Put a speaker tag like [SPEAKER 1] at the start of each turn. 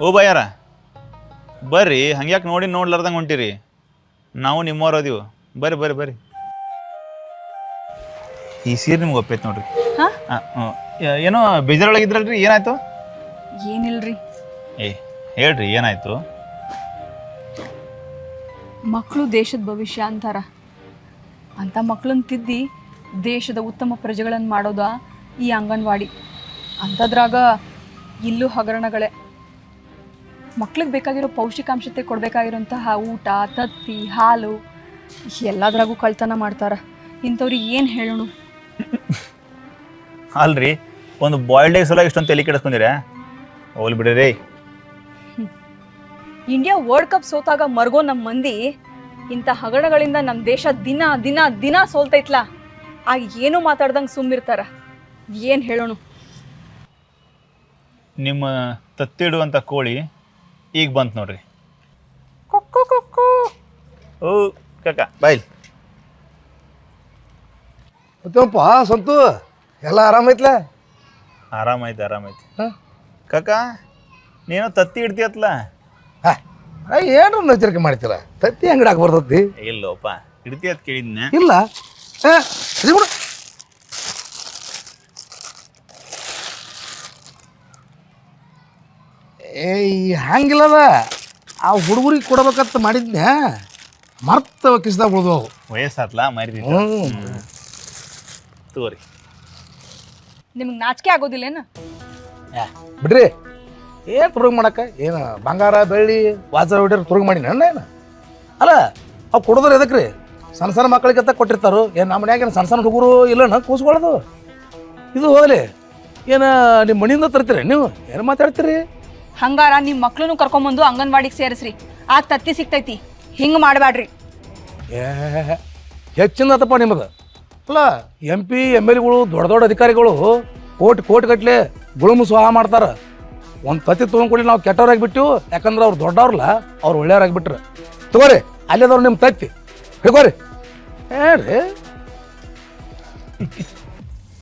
[SPEAKER 1] ಓ ಬಾಯಾರ ಬರ್ರಿ ಹಂಗ್ಯಾಕೆ ನೋಡಿ ನೋಡ್ಲಾರ್ದಂಗೆ ಹೊಂಟಿರಿ ನಾವು ನಿಮ್ಮವ್ರು ಅದೀವು ಬರ್ರಿ ಬರ್ರಿ ಬರ್ರಿ ಈ ಸೀರೆ ನಿಮ್ಗೆ ಒಪ್ಪೈತೆ ನೋಡ್ರಿ ಏನೋ ಬೇಜಾರೊಳಗಿದ್ರಲ್ರಿ ಏನಾಯ್ತು
[SPEAKER 2] ಏನಿಲ್ರಿ
[SPEAKER 1] ಏ ಹೇಳ್ರಿ ಏನಾಯ್ತು
[SPEAKER 2] ಮಕ್ಕಳು ದೇಶದ ಭವಿಷ್ಯ ಅಂತಾರ ಅಂತ ಮಕ್ಕಳನ್ನ ತಿದ್ದಿ ದೇಶದ ಉತ್ತಮ ಪ್ರಜೆಗಳನ್ನು ಮಾಡೋದ ಈ ಅಂಗನವಾಡಿ ಅಂಥದ್ರಾಗ ಇಲ್ಲೂ ಹಗರಣಗಳೇ ಮಕ್ಳಿಗೆ ಬೇಕಾಗಿರೋ ಪೌಷ್ಟಿಕಾಂಶತೆ ಕೊಡಬೇಕಾಗಿರೋಂತಹ ಊಟ ತತ್ತಿ ಹಾಲು ಎಲ್ಲದ್ರಾಗೂ ಕಳ್ತನ ಮಾಡ್ತಾರೆ ಇಂಥವ್ರಿಗೆ ಏನು ಹೇಳೋಣ
[SPEAKER 1] ಅಲ್ರಿ ಒಂದು ಬಾಯ್ಲ್ಡ್ ಎಗ್ ಸಲ ಇಷ್ಟೊಂದು ತಲೆ ಕೆಡಿಸ್ಕೊಂಡಿರ ಹೋಗ್ಲಿ ಬಿಡ್ರಿ
[SPEAKER 2] ಇಂಡಿಯಾ ವರ್ಲ್ಡ್ ಕಪ್ ಸೋತಾಗ ಮರ್ಗೋ ನಮ್ಮ ಮಂದಿ ಇಂಥ ಹಗರಣಗಳಿಂದ ನಮ್ಮ ದೇಶ ದಿನ ದಿನ ದಿನ ಸೋಲ್ತೈತ್ಲ ಆಗ ಏನೂ ಮಾತಾಡ್ದಂಗೆ ಸುಮ್ಮಿರ್ತಾರ ಏನು ಹೇಳೋಣ
[SPEAKER 1] ನಿಮ್ಮ ತತ್ತಿಡುವಂಥ ಕೋಳಿ ಈಗ ಬಂತು ನೋಡ್ರಿ ಓ ಕಾಕ ಬಾಯ್
[SPEAKER 3] ಮತ್ತೇನಪ್ಪ ಸಂತು ಎಲ್ಲ ಆರಾಮೈತ್ಲ
[SPEAKER 1] ಆರಾಮೈತಿ ಆರಾಮೈತಿ ಕಾಕ ನೀನು ತತ್ತಿ ಇಡ್ತೀಯತ್ಲ
[SPEAKER 3] ಏನು ಎಚ್ಚರಿಕೆ ಮಾಡ್ತಿಲ್ಲ ತತ್ತಿ ಅಂಗಡಿ ಬರ್ತತಿ
[SPEAKER 1] ಇಲ್ಲೋಪ ಇಡ್ತೀಯತ್ ಕೇಳಿದ್ನೆ
[SPEAKER 3] ಇಲ್ಲ ಹಂಗಿಲ್ಲದ ಆ ಹುಡುಗರಿಗೆ ಕೊಡ್ಬೇಕಂತ ಮಾಡಿದ್ನೆ ಮರ್ತ ಕಿಸ್ದಾಗ ಉಳಿದು
[SPEAKER 1] ವಯಸ್ಸಾತ್ಲ ಮರಿ ತಗೋರಿ
[SPEAKER 2] ನಿಮ್ಗೆ ನಾಚಿಕೆ ಆಗೋದಿಲ್ಲೇನು
[SPEAKER 3] ಬಿಡ್ರಿ ಏನು ತುರುಗ್ ಮಾಡಕ್ಕೆ ಏನು ಬಂಗಾರ ಬೆಳ್ಳಿ ವಾಚರ ಹೊಡಿಯೋರು ತುರುಗ್ ಮಾಡಿ ನನ್ನ ಏನು ಅಲ್ಲ ಅವು ಕೊಡೋದ್ರ ಎದಕ್ಕೆ ರೀ ಸಣ್ಣ ಸಣ್ಣ ಮಕ್ಕಳಿಗೆ ಅಂತ ಕೊಟ್ಟಿರ್ತಾರೋ ಏನು ನಮ್ಮ ಮನ್ಯಾಗ ಸಣ್ಣ ಸಣ್ಣ ಹುಡುಗರು ಇಲ್ಲ ಕೂಸ್ಕೊಳ್ಳೋದು ಇದು ಹೋಗಲಿ ಏನು ನಿಮ್ಮ ಮನೆಯಿಂದ ತರ್ತೀರಿ ನೀವು ಏನು ಮಾತಾಡ್ತೀರಿ
[SPEAKER 2] ಹಂಗಾರ ನಿಮ್ಮ ಮಕ್ಳನ್ನು ಕರ್ಕೊಂಬಂದು ಅಂಗನವಾಡಿಗೆ ಸೇರಿಸ್ರಿ ಆಗ ತತ್ತಿ ಸಿಗ್ತೈತಿ ಹಿಂಗೆ ಮಾಡಬೇಡ್ರಿ
[SPEAKER 3] ಹೆಚ್ಚಿನದಪ್ಪ ನಿಮ್ಮದು ಅಲ್ಲ MP MLಗಳು ದೊಡ್ಡ ದೊಡ್ಡ ಅಧಿಕಾರಿಗಳು ಕೋಟಿ ಗಟ್ಟಲೆ ಗುಳುಮು ಸ್ವಾಹ ಮಾಡ್ತಾರೆ ಒಂದು ತತ್ತಿ ತೊಗೊಂಡ್ಕೊಡಿ ನಾವು ಕೆಟ್ಟವ್ರಾಗಿಬಿಟ್ಟು ಯಾಕಂದ್ರೆ ಅವ್ರು ದೊಡ್ಡವ್ರಲ್ಲ ಅವ್ರು ಒಳ್ಳೆಯವ್ರಾಗಿಬಿಟ್ರೆ ತಗೋರಿ ಅಲ್ಲೇದವ್ರು ನಿಮ್ಮ ತತ್ತಿ ಹಿಡ್ಕೋರಿ ಹೇಳ್ರಿ